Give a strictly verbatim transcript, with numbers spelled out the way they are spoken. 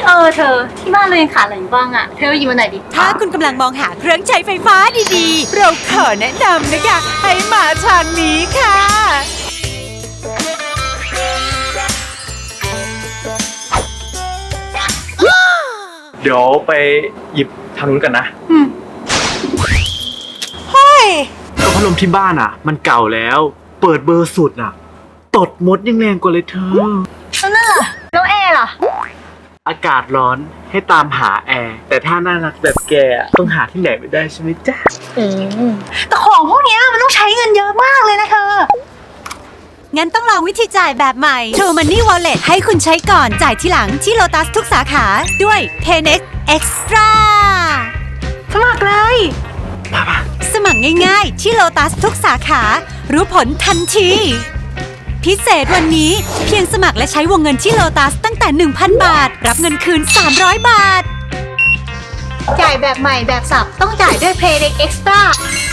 เออเธอที่บ้านเรายังขาดอะไรอยู่บ้างอะเธอหยิบมาหน่อยดิถ้าคุณกำลังมองหาเครื่องใช้ไฟฟ้าดีๆ เราขอแนะนำนะคะให้มาทางนี้ค่ะเดี๋ยวไปหยิบทางนู้นกันนะอืมเฮ้ยก็พัดลมที่บ้านอ่ะ มันเก่าแล้ว เปิดเบอร์สุดอ่ะ ตดมดยังแรงกว่าเลยเธอแล้วนั่นล่ะแล้วแอร์ล่ะอากาศร้อนให้ตามหาแอร์ แต่ถ้าน่ารักแบบแกอะต้องหาที่ไหนไม่ได้ใช่ไหมจ๊ะอืมแต่ของพวกเนี้ยมันต้องใช้เงินเยอะมากเลยนะเธองั้นต้องลองวิธีจ่ายแบบใหม่ True Money Wallet ให้คุณใช้ก่อนจ่ายทีหลังที่ Lotus ทุกสาขาด้วย PayNext Extra สมัครเลยมาปะสมัครง่ายๆที่ Lotus ทุกสาขา รู้ผลทันที พิเศษวันนี้เพียงสมัครและใช้วงเงินที่ Lotus ตั้งแต่ หนึ่งพัน บาท รับเงินคืน สามร้อย บาทจ่ายแบบใหม่แบบสับต้องจ่ายด้วย PayNext Extra